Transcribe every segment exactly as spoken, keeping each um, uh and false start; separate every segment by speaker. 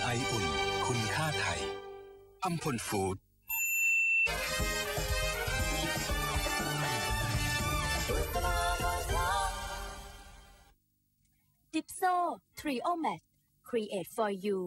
Speaker 1: ไออุ่นคุณค่าไทยอัมพลฟู้ด
Speaker 2: ดิปโซ ทรีโอ แมท Create for you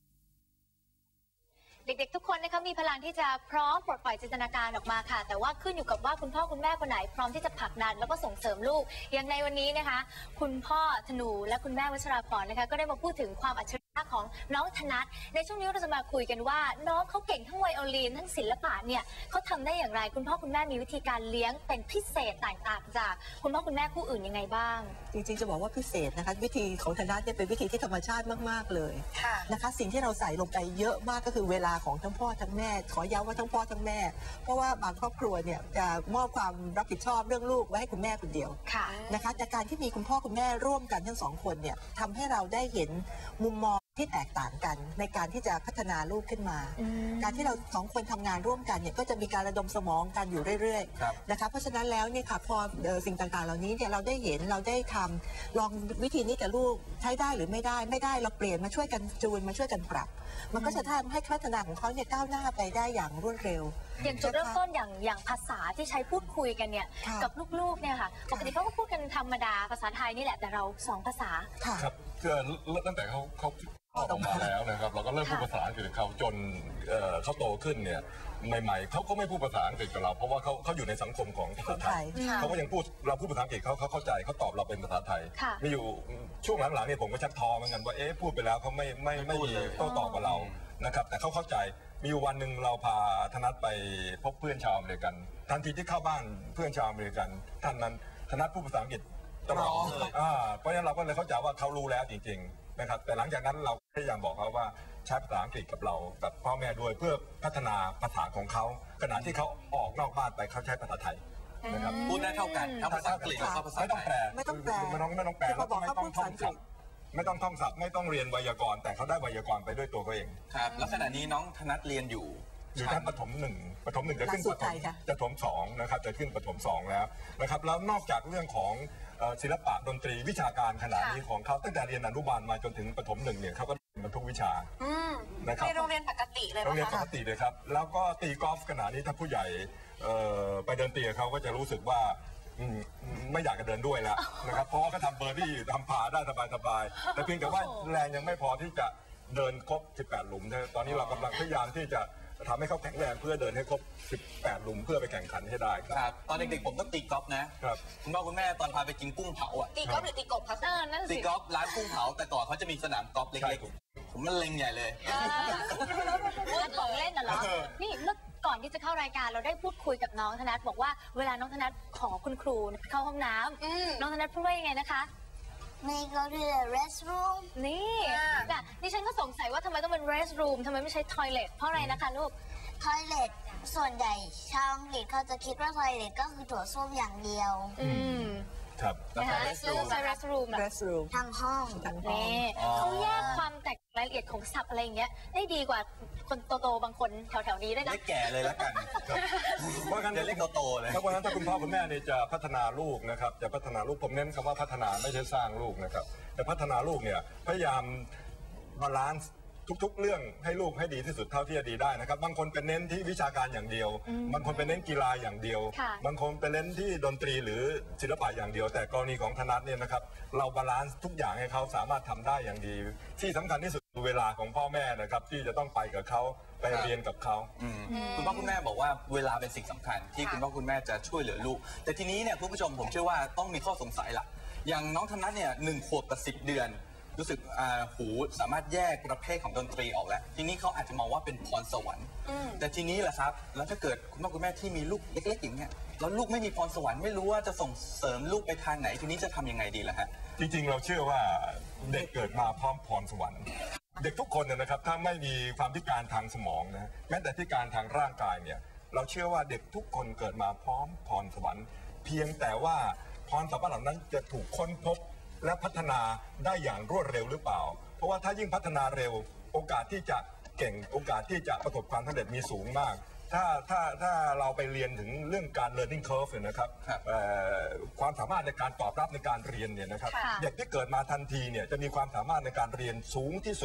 Speaker 3: เด็กๆทุกคนนะคะมีพลังที่จะพร้อมปลดปล่อยจินตนาการออกมาค่ะแต่ว่าขึ้นอยู่กับว่าคุณพ่อคุณแม่คนไหนพร้อมที่จะผลักดันแล้วก็ส่งเสริมลูกอย่างในวันนี้นะคะคุณพ่อธนูและคุณแม่วัชราพรนะคะก็ได้มาพูดถึงความอัจฉริยะของน้องธนัทในช่วงนี้เราจะมาคุยกันว่าน้องเขาเก่งทั้งไวโอลินทั้งศิลปะเนี่ยเขาทำได้อย่างไรคุณพ่อคุณแม่มีวิธีการเลี้ยงเป็นพิเศษแตกต่างจากคุณพ่อคุณแม่คู่อื่นยังไงบ้าง
Speaker 4: จริงๆจะบอกว่าพิเศษนะคะวิธีของธนัทเนี่ยเป็นวิธีที่ธรรมชาติมากๆเลยนะคะสิ่งที่เราใส่ลงไปเยอะมากก็คือเวลาของทั้งพ่อทั้งแม่ขอย้ำว่าทั้งพ่อทั้งแม่เพราะว่าบางครอบครัวเนี่ยจะมอบความรับผิดชอบเรื่องลูกไว้ให้คุณแม่คนเดียวนะคะแต่การที่มีคุณพ่อคุณแม่ร่วมกันทั้งสองคนเนี่ยทำให้เราได้เห็นมุมมองที่แตกต่างกันในการที่จะพัฒนาลูกขึ้นมาการที่เราสองคนทำงานร่วมกันเนี่ยก็จะมีการระดมสมองกันอยู่เรื่อยๆนะคะเพราะฉะนั้นแล้วเนี่ยค่ะพอสิ่งต่างๆเหล่านี้เนี่ยเราได้เห็นเราได้ทำลองวิธีนี้กับลูกใช้ได้หรือไม่ได้ไม่ได้เราเปลี่ยนมาช่วยกันจูนมาช่วยกันปรับมันก็จะทำให้พัฒนาของเขาเนี่ยก้าวหน้าไปได้อย่างรวดเร็ว
Speaker 3: อย่างจุดเริ่มต้นอย่างอย่างภาษาที่ใช้พูดคุยกันเนี่ยกับลูกๆเนี่ยค่ะปกติเขาก็พูดกันธรรมดาภาษาไทยนี่แหละแต่เราสองภาษา
Speaker 5: ครับคือตั้งแต่เขาเขาออกมาแล้วนะครับเราก็เริ่มพูดภาษาอังกฤษกับเขาจนเขาโตขึ้นเนี่ยใหม่ๆเขาก็ไม่พูดภาษาอังกฤษกับเราเพราะว่าเขาเขาอยู่ในสังคมของภาษาไทยเขาก็ยังพูดเราพูดภาษาอังกฤษเขาเขาเข้าใจเขาตอบเราเป็นภาษาไทยมีอยู่ช่วงหลังๆเนี่ยผมก็ชักท้อเหมือนกันว่าเอ๊ะพูดไปแล้วเขาไม่ไม่ไม่มีโต้ตอบกับเรานะครับแต่เขาเข้าใจมีวันหนึ่งเราพาธนัทไปพบเพื่อนชาวอเมริกันทันทีที่เข้าบ้านเพื่อนชาวอเมริกันท่านนั้นธนัทพูดภาษาอังกฤษตลอดเลยเพราะฉะนั้นเราก็เลยเข้าใจว่าเขารู้แล้วจริงๆนะครับแต่หลังจากนั้นเราพยายามบอกเขาว่าใช้ภาษาอังกฤษกับเรากับพ่อแม่ด้วยเพื่อพัฒนาภาษาของเขาขณะที่เขาออกนอกบ้านไปเขาใช้ภาษาไทยนะครับ
Speaker 6: พูดได้เท่ากันทั้งภาษาอังกฤษและภาษาไทย
Speaker 5: ไม่ต้องแปลไม่ต้องแปลไม่ต้องไม่ต้องแปลแล้วก็ไม่ต้องท่องศัพท์ไม่ต้องท่องศัพท์ไม่ต้องเรียนไวยากรณ์แต่เขาได้ไวยากรณ์ไปด้วยตัวเขาเอง
Speaker 6: ครับแล้วขณะนี้น้องธนัทเรียนอยู่
Speaker 5: อยู่ชั้นประถมหนึ่งประถมหนึ่งจะขึ้นประถมจะถมสองนะครับจะขึ้นประถมสองแล้วนะครับแล้วนอกจากเรื่องของศิลปะดนตรีวิชาการขนาดนี้ของเขาตั้งแต่เรียนอนุบาลมาจนถึงประถมหนึ่งเนี่ยเขาก็เรียนทุกวิชา
Speaker 3: นะครับในโรงเรียนปกติเลย
Speaker 5: โรงเรียนปกติเลยครับแล้วก็ตีกอล์ฟขนาดนี้ถ้าผู้ใหญ่ไปเดินตีเขาก็จะรู้สึกว่าไม่อยากจะเดินด้วยแล้วนะครับเพราะว่าเขาทำเบอร์ดี้ทำพาได้สบายๆแต่เพียงแต่ว่าแรงยังไม่พอที่จะเดินครบสิบแปดหลุมตอนนี้เรากำลังพยายามที่จะทำให้เขาแข็งแรงเพื่อเดินให้ครบสิบแปดหลุมเพื่อไปแข่งขันให้ได้
Speaker 6: ครับตอนเด็กๆผมก็ตีกอล์ฟนะครับคุณพ่อคุณแม่ตอนพาไปกินกุ้งเผาอ่ะ
Speaker 3: ตีกอล์ฟหรือตีกบครับนั่นสิ
Speaker 6: ตีกอล์ฟร้านกุ้งเผาแต่ก่อนเขาจะมีสนามกอล์ฟเล็กๆผมมันเล็งใหญ่เลย
Speaker 3: พูดของเล่นน่ะเหรอนี่เมื่อก่อนที่จะเข้ารายการเราได้พูดคุยกับน้องธนัทบอกว่าเวลาน้องธนัทขอคุณครูเข้าห้องน้ำน้องธนัทพูดว่ายังไงนะคะ
Speaker 7: May go to the restroom
Speaker 3: นี่น่ะดิฉันก็สงสัยว่าทำไมต้องเป็น restroom ทำไมไม่ใช่ toilet เพราะอะไรนะคะลูก
Speaker 7: toilet ส่วนใหญ่ชาวอังกฤษเขาจะคิดว่า toilet ก็คือโถส้วมอย่างเดียว
Speaker 3: อืม
Speaker 5: ครับ
Speaker 3: นะคะ restroom restroom
Speaker 4: restroom
Speaker 7: ทางห้อง
Speaker 3: นี่เขาแยกความแตกรายละเอียดของศัพท์อะไรอย่างเงี้ยได้ดีกว่าคนโตๆบางคนแถวๆนี้ด้วยนะ
Speaker 6: เล็กแก่เลยแล้วกัน
Speaker 5: เพราะงั้น
Speaker 6: เล็กโตๆเลย
Speaker 5: เพราะงั้นถ้าคุณพ่อคุณแม่เนี่ยจะพัฒนาลูกนะครับจะพัฒนาลูกผมเน้นคำว่าพัฒนาไม่ใช่สร้างลูกนะครับแต่พัฒนาลูกเนี่ยพยายามบาลานซ์ทุกๆเรื่องให้ลูกให้ดีที่สุดเท่าที่จะดีได้นะครับบางคนเป็นเน้นที่วิชาการอย่างเดียวบางคนเป็นเน้นกีฬาอย่างเดียวบางคนเป็นเน้นที่ดนตรีหรือศิลปะอย่างเดียวแต่กรณีของธนัทเนี่ยนะครับเราบาลานซ์ทุกอย่างให้เขาสามารถทำได้อย่างดีที่สำคัญที่สุดเวลาของพ่อแม่นะครับที่จะต้องไปกับเขาไปเรียนกับเขา
Speaker 6: คุณพ่อคุณแม่บอกว่าเวลาเป็นสิ่งสำคัญที่คุณพ่อคุณแม่จะช่วยเหลือลูกแต่ทีนี้เนี่ยคุณผู้ชมผมเชื่อว่าต้องมีข้อสงสัยละอย่างน้องธนัทเนี่ยหนึ่งขวบกับสิบเดือนรู้สึกหูสามารถแยกประเภทของดนตรีออกแล้วทีนี้เขาอาจจะมองว่าเป็นพรสวรรค์แต่ทีนี้แหละครับแล้วถ้าเกิดคุณพ่อคุณแม่ที่มีลูกเล็กๆอย่างเงี้ยแล้วลูกไม่มีพรสวรรค์ไม่รู้ว่าจะส่งเสริมลูกไปทางไหนทีนี้จะทำยังไงดีล่ะฮะ
Speaker 5: จริงๆเราเชื่อว่าเด็กเกิดมาพร้อมพรสวรรค์เด็กทุกคนนะครับถ้าไม่มีความพิการทางสมองนะแม้แต่พิการทางร่างกายเนี่ยเราเชื่อว่าเด็กทุกคนเกิดมาพร้อมพรสวรรค์เพียงแต่ว่าพรสวรรค์เหล่านั้นจะถูกค้นพบและพัฒนาได้อย่างรวดเร็วหรือเปล่าเพราะว่าถ้ายิ่งพัฒนาเร็วโอกาสที่จะเก่งโอกาสที่จะประสบความสำเร็จมีสูงมากถ้าถ้าถ้าเราไปเรียนถึงเรื่องการ learning curve นะครับความสามารถในการตอบรับในการเรียนเนี่ยนะครับเด็กที่เกิดมาทันทีเนี่ยจะมีความสามารถในการเรียนสูงที่สุด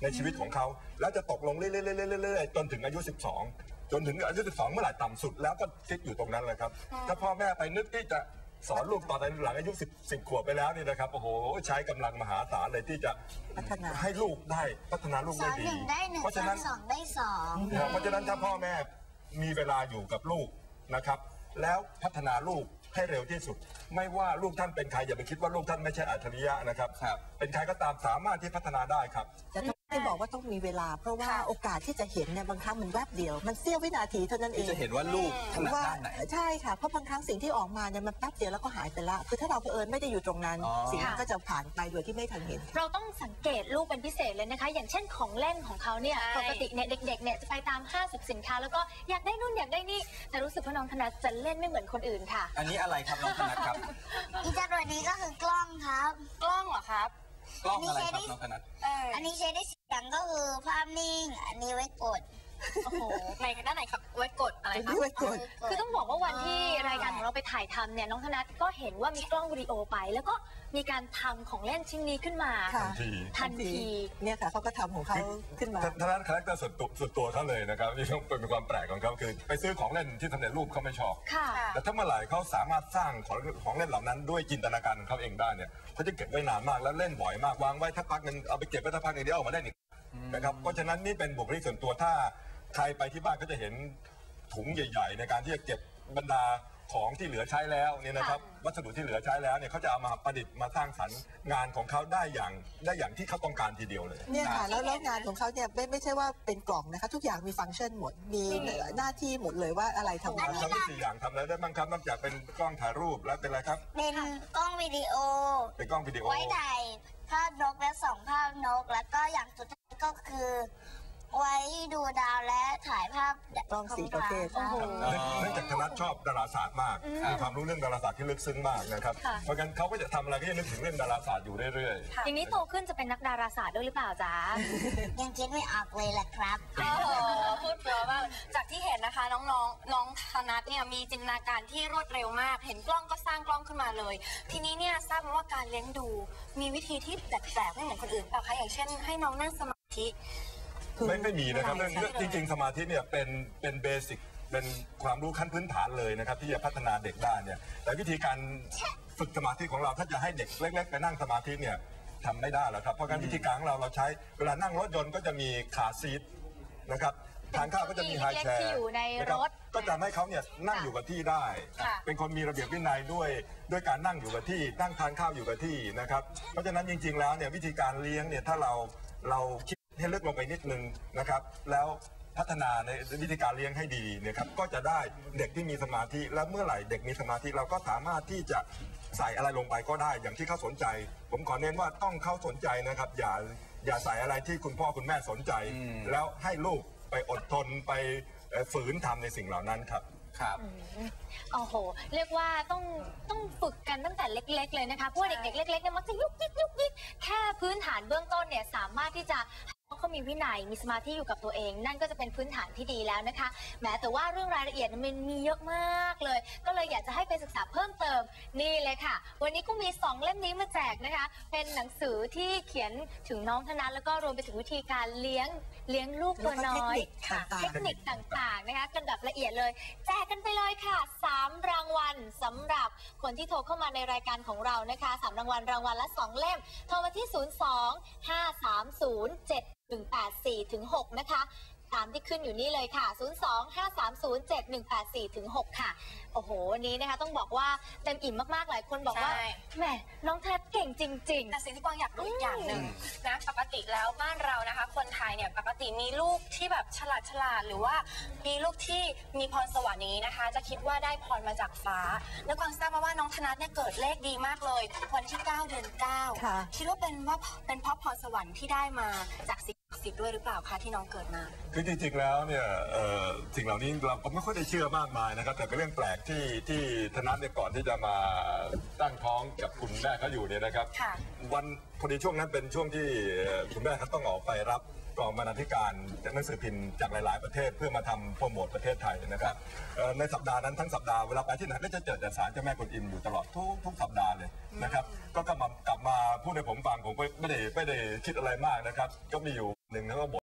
Speaker 5: ในชีวิตของเขาแล้วจะตกลงเรื่อยๆๆๆจนถึงอายุสิบสองจนถึงอายุสิบสองเมื่อไหร่ต่ำสุดแล้วก็คิดอยู่ตรงนั้นเลยครับถ้าพ่อแม่ไปนึกที่จะสอนลูกตอนหลังอายุสิบ สิบขวบไปแล้วนี่นะครับโอ้โหใช้กำลังมหาศาลเลยที่จะให้ลูกได้พัฒนาลูกได้ดีเพราะฉะนั้น
Speaker 7: สองได้สอง
Speaker 5: เพราะฉะนั้นถ้าพ่อแม่มีเวลาอยู่กับลูกนะครับแล้วพัฒนาลูกให้เร็วที่สุดไม่ว่าลูกท่านเป็นใครอย่าไปคิดว่าลูกท่านไม่ใช่อัจฉริยะนะครับเป็นใครก็ตามสามารถที่พัฒนาได้ครับ
Speaker 4: แต่ที่บอกว่าต้องมีเวลาเพราะว่าโอกาสที่จะเห็นเนี่ยบางครั้งมันแวบเดียวมันเสี้ยววินาทีเท่านั้นเอง
Speaker 6: จะเห็นว่าลูกถนัดด้านไหน
Speaker 4: ใช่ค่ะเพราะบางครั้งสิ่งที่ออกมาเนี่ยมันแป๊บเดียวแล้วก็หายไปละคือถ้าเราเผอิญไม่ได้อยู่ตรงนั้นสิ่งนั้นก็จะผ่านไปโดยที่ไม่ทันเห็น
Speaker 3: เราต้องสังเกตลูกเป็นพิเศษเลยนะคะอย่างเช่นของเล่นของเขาเนี่ยปกติเนี่ยเด็กๆเนี่ยจะไปตามห้างสรรพสินค้าแล้วก็อยากได้นู่นอยากได้นี่แต่รู้สึกว่าน้องธนัทจะเล่นไม่เหมือนคนอื่นค่ะ
Speaker 6: อันนี้อะไรครับน้องธนัทครับ
Speaker 7: อีจรวดนี้ก็คือกล้องครับ
Speaker 3: กล้องเหรอครับ
Speaker 6: กล้องอะไรครับน้องธนัท
Speaker 7: อันนี้ใช้ได้เสียงก็คือภาพนิ่งอันนี้ไว้กด
Speaker 3: โอ้โหในด้านไหนครับไว้กดอะไรครับ
Speaker 4: ไว้กด
Speaker 3: คือต้องบอกว่าวันที่รายการของเราไปถ่ายทำเนี่ยน้องธนัทก็เห็นว่ามีกล้องวิดีโอไปแล้วก็มีการทำของเล่นชิ้นนี้ขึ้นมา
Speaker 5: ทันที
Speaker 3: ทันที
Speaker 4: เนี่ยค่ะเขาก็ทำของเขาขึ้นมา
Speaker 5: ธนัทคาแรคเตอร์ส่วนตัวส่วนตัวเขาเลยนะครับนี่ต้องเป็นความแปลกของเขาคือไปซื้อของเล่นที่สำเร็จรูปเขาไม่ชอบแต่ถ้าเมื่อไหร่เขาสามารถสร้างของของเล่นเหล่านั้นด้วยจินตนาการของเขาเองได้เนี่ยเขาจะเก็บไว้นานมากแล้วเล่นบ่อยมากวางไว้ถ้าพักนึงเอาไปเก็บไว้ถ้าพักนึงเดี๋ยวเอามาได้อีกนะครับเพราะฉะนั้นนี่เป็นบุคลิกส่วนตัวถ้าใครไปที่บ้านก็จะเห็นถุงใหญ่ๆในการที่จะเก็บบรรดาของที่เหลือใช้แล้วเนี่ยนะครับวัสดุที่เหลือใช้แล้วเนี่ยเขาจะเอามาประดิษฐ์มาสร้างสรรค์งานของเขาได้อย่างได้อย่างที่เขาต้องการทีเดียวเลย
Speaker 4: เนี่ยค่ะแล้วแล้วงานของเขาเนี่ยไม่ไม่ใช่ว่าเป็นกล่องนะคะทุกอย่างมีฟังก์ชันหมดมีหน้าที่หมดเลยว่าอะไรทำอะไร
Speaker 5: ทำได้สี่อย่างทำอะไรได้บ้างครับนอกจากเป็นกล้องถ่ายรูปแล้วเป็นอะไรครับ
Speaker 7: เป็นกล้องวิดีโอ
Speaker 5: เป็นกล้องวิดีโอ
Speaker 7: ไว้ถ่ายภาพนกและส่องภาพนกแล้วก็อย่างสุดท้ายก็คือไว้ดูดาวและถ่ายภาพ
Speaker 4: กล้องสี่ประเภท
Speaker 5: เนื่องจากธนัทชอบดาราศาสตร์มากมีความรู้เรื่องดาราศาสตร์ที่ลึกซึ้งมากนะครับเพราะงั้นเขาก็จะทำอะไรก็จะนึกถึงเรื่องดาราศาสตร์อยู่เรื่อย
Speaker 3: ๆอย่างนี้โตขึ้นจะเป็นนักดาราศาสตร์ด้วยหรือเปล่าจ๊ะ
Speaker 7: ยังคิดไม่ออกเลยแหละครับ
Speaker 8: โอ้โหพูดเพราะมากจากที่เห็นนะคะน้องๆน้องธนัทเนี่ยมีจินตนาการที่รวดเร็วมากเห็นกล้องก็สร้างกล้องขึ้นมาเลยทีนี้เนี่ยทราบมาว่าการเลี้ยงดูมีวิธีที่แปลกๆไม่เหมือนคนอื่นเปล่าคะอย่างเช่นให้น้องนั่งสมาธิ
Speaker 5: ไม่ไม่มีนะครับเรื่องจริงๆสมาธิเนี่ยเป็นเป็นเบสิกเป็นความรู้ขั้นพื้นฐานเลยนะครับที่จะพัฒนาเด็กได้เนี่ยแต่วิธีการฝึกสมาธิของเราถ้าจะให้เด็กเล็กๆไปนั่งสมาธิเนี่ยทำไม่ได้แล้วครับเพราะการวิธีการของเราเราใช้เวลานั่งรถยนต์ก็จะมีขาซีทนะครับทานข้าวก็จะมีไฮแชร์นะครับก็จะให้เขาเนี่ยนั่งอยู่กับที่ได้เป็นคนมีระเบียบวินัยด้วยด้วยการนั่งอยู่กับที่นั่งทานข้าวอยู่กับที่นะครับเพราะฉะนั้นจริงๆแล้วเนี่ยวิธีการเลี้ยงเนี่ยถ้าเราเราคิดให้ลึกลงไปนิดนึงนะครับแล้วพัฒนาในวิธีการเลี้ยงให้ดีนะครับก็จะได้เด็กที่มีสมาธิและเมื่อไหร่เด็กมีสมาธิเราก็สามารถที่จะใส่อะไรลงไปก็ได้อย่างที่เขาสนใจผมขอเน้นว่าต้องเขาสนใจนะครับอย่าอย่าใส่อะไรที่คุณพ่อคุณแม่สนใจแล้วให้ลูกไปอดทนไปฝืนทำในสิ่งเหล่านั้นครับ
Speaker 6: ครับ
Speaker 3: โอ้โหเรียกว่าต้องต้องฝึกกันตั้งแต่เล็กๆเลยนะคะเพราะเด็กๆเล็กๆเนี่ยมักจะยุกยิกยุกยิกแค่พื้นฐานเบื้องต้นเนี่ยสามารถที่จะเขามีวินัยมีสมาธิอยู่กับตัวเองนั่นก็จะเป็นพื้นฐานที่ดีแล้วนะคะแม้แต่ว่าเรื่องรายละเอียดมันมีเยอะมากเลยก็เลยอยากจะให้ไปศึกษาเพิ่มเติมนี่เลยค่ะวันนี้ก็มีสองเล่มนี้มาแจกนะคะเป็นหนังสือที่เขียนถึงน้องธนัทแล้วก็รวมไปถึงวิธีการเลี้ยงเลี้ยงลูกตัวน้อยเทคนิคต่างๆนะคะกันแบบละเอียดเลยแจกกันไปเลยค่ะสามรางวัลสำหรับคนที่โทรเข้ามาในรายการของเรานะคะสามรางวัลรางวัลละสองเล่มโทรมาที่ศูนย์ สอง ห้า สาม ศูนย์ เจ็ด หนึ่ง แปด สี่ ถึง หกนะคะตามที่ขึ้นอยู่นี่เลยค่ะศูนย์ สอง ห้า สาม ศูนย์ เจ็ด หนึ่ง แปด สี่ ถึง หกค่ะโอ้โหวันนี้นะคะต้องบอกว่าเต็มอิ่มมากๆหลายคนบอกว่าแหมน้องธนัทเก่งจริงๆ
Speaker 8: แต่สิ่งที่กวางอยากรู้อีกอย่างหนึ่งนะปกติแล้วบ้านเรานะคะคนไทยเนี่ยปกติมีลูกที่แบบฉลาดฉลาดหรือว่ามีลูกที่มีพรสวรรค์นี้นะคะจะคิดว่าได้พรมาจากฟ้าแล้วกวางทราบมาว่าน้องธนัทเนี่ยเกิดเลขดีมากเลยวันที่เก้าเดือนเก้าคิดว่าเป็นว่าเป็นเพราะพรสวรรค์ที่ได้มาจากสิ่งศักดิ์สิทธิ์ด้วยหรือเปล่าคะที่น้องเกิดมา
Speaker 5: คือจริงๆแล้วเนี่ยสิ่งเหล่านี้เราก็ไม่ค่อยได้เชื่อมากมายนะครับแต่เป็นเรื่องแปลกที่ที่ธนัทเนี่ยก่อนที่จะมาตั้งท้องกับคุณแม่เขาอยู่เนี่ยนะครับวันพอดีช่วงนั้นเป็นช่วงที่คุณแม่เขาต้องออกไปรับกองบรรณาธิการหนังสือพิมพ์จากหลาย ๆประเทศเพื่อมาทำโปรโมทประเทศไทยนะครับในสัปดาห์นั้นทั้งสัปดาห์เวลาไปที่ไหนก็จะเจอแต่ศาลเจ้าแม่กวนอิมอยู่ตลอดทุกทุกสัปดาห์เลยนะครับก็กลับมากลับมาพูดให้ผมฟังผมก็ไม่ได้ไม่ได้คิดอะไรมากนะครับก็มีอยู่หนึ่งแล้วก็